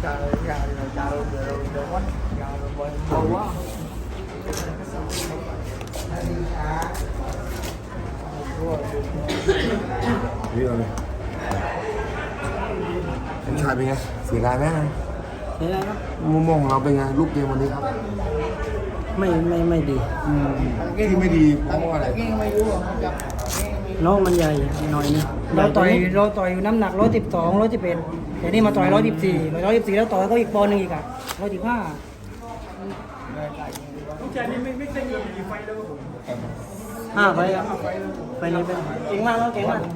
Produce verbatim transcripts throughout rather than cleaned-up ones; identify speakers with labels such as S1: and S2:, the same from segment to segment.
S1: นี่เลยเป็นชายเป็นไงเสียดายไหม
S2: เห็นไหมครับ
S1: มุมมองของเราเป็นไงลูกเกมวันนี้ครับ
S2: ไม่ไม่ไม่ดี
S1: ที่ไม่ดีเพราะว่าอะไร
S2: น้องมันใหญ่หน่อยนึงเราต่อยเราต่อยอยู่น้ำหนักร้อยสิบสองร้อยสิบเอ็ดแต่นี่มาต่อยร้อยสิบสี่ร้อยสิบสี่แล้วต่อยก็อีกปอนด์หนึงอีกอ่ะร้อยสิบห้าห้าไปครับไปนี้ไปเก่งมากแล้วเก่งมาก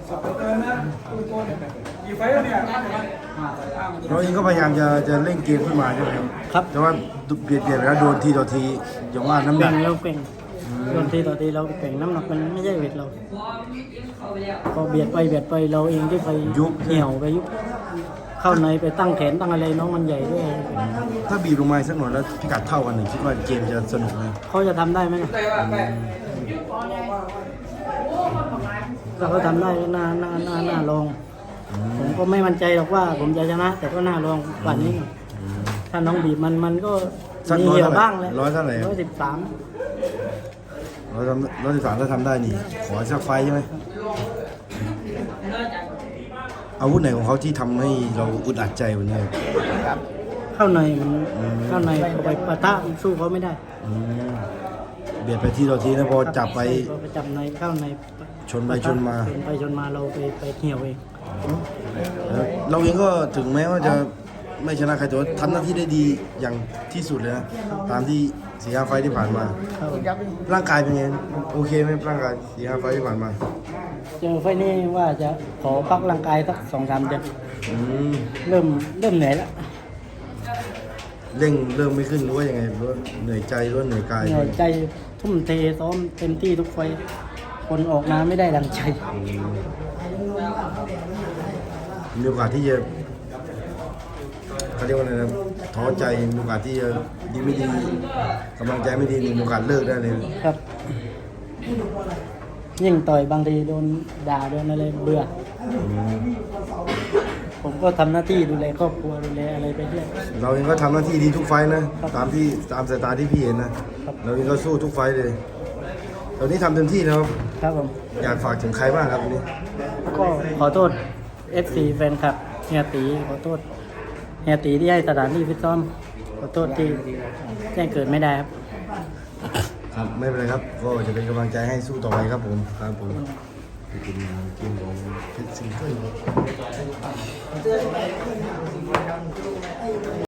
S1: เราเองก็พยายามจะจะเล่นเกมขึ้นมาใช่ไหมครับ
S2: ครับ
S1: แต่ว่าเบียดเบียดแล้วโดนทีต่อทีอย่างว่าน้ำหนั
S2: เก่
S1: ก
S2: งเราเก่งโดนทีต่อทีเราเก่งน้ำหนักมันไม่ใช่เวทเราพอเบียดไปเบียดไปเราเองที่ไปเหี่ยวไปยุบเข้าในไปตั้งแขนตั้งอะไรน้องมันใหญ่ด้วย
S1: ถ้าบีบลงมาสักหน่อยแล้วพิกัดเท่ากันหนึ่งคิดว่าเกมจะสนุกไหม
S2: เขาจะทำได้ไหมเนี่ยถ้าเขาทำได้น่าน่าน่าน่าลองผมก็ไม่มั่นใจหรอกว่าผมจะชนะ แต่ก็น่าลองกว่านี้หน่อยถ้าน้องบีบมันมันก็
S1: สัก
S2: มี
S1: ร้อย
S2: เหี่ย
S1: เท่าว ไหร่
S2: บ้างแหละ
S1: ร้อยเท่าไหร่
S2: ร้อยสิบสาม
S1: ร้อยทำร้อยสิบสามถ้าทำได้นี่ขอสักไฟล์ใช่ไหมอาวุธไหนของเขาที่ทำให้เราอึดอัดใจวันนี้
S2: เข้าในมันเข้าในเอาไปปะทะสู้เขาไม่ได้
S1: อืมเบียดไปที่ต่อทีนะพอจับไป
S2: พอไปจับในเข้าใน
S1: ชนไปชนมา
S2: ชนไปชนมาเราไปไปเหี่ยวเอง
S1: แล้วเราเองก็ถึงแม้ว่าจะไม่ชนะใครแต่ว่าทำหน้าที่ได้ดีอย่างที่สุดเลยนะตามที่สี่ห้าไฟล์ที่ผ่านมา
S2: ครับผม
S1: ร่างกายเป็นไงโอเคไหมร่างกายสี่ห้าไฟล์ที่ผ่านมา
S2: เจอไฟล์นี้ว่าจะขอพักร่างกายสักสองสามเดือน
S1: อืม
S2: เริ่มเริ่มเหนื่อยแล้ว
S1: เร่งเริ่มไม่ขึ้นหรือว่ายังไงหรือว่าเหนื่อยใจหรือว่าเหนื่อยกาย
S2: เหนื่อยใจทุ่มเทซ้อมเต็มที่ทุกไฟล์คนออกมาไม่ได้ดังใจ
S1: มีโอกาสที่จะเขาเรียกว่าอะไรนะท้อใจมีโอกาสที่จะดีไม่ดีกำลังใจไม่ดีมีโอกาสเลิกได้เลย
S2: ครับ ยิ่งต่อยบางทีโดนด่าโดนอะไรเบื่อ ผมก็ทำหน้าที่ดูแลครอบครัวดูแลอะไรไปเรื่อย
S1: เราเองก็ทำหน้าที่ดีทุกไฟล์นะตามที่ตามสายตาที่พี่เห็นนะเราเองก็สู้ทุกไฟล์เลยตอนนี้ทำเต็มที่แล้ว
S2: ครับผม
S1: อยากฝากถึงใครบ้างครับวันนี้
S2: ก็ขอโทษ เอฟ ซี แฟนคลับเฮียตีขอโทษเฮียตีที่ให้สถานที่ฟิตซ้อมขอโทษที่แจ้งเกิดไม่ได้ครับ
S1: ครับไม่เป็นไรครับก็จะเป็นกำลังใจให้สู้ต่อไปครับผมครับผมไปกินกินของเพชรซิงเกิล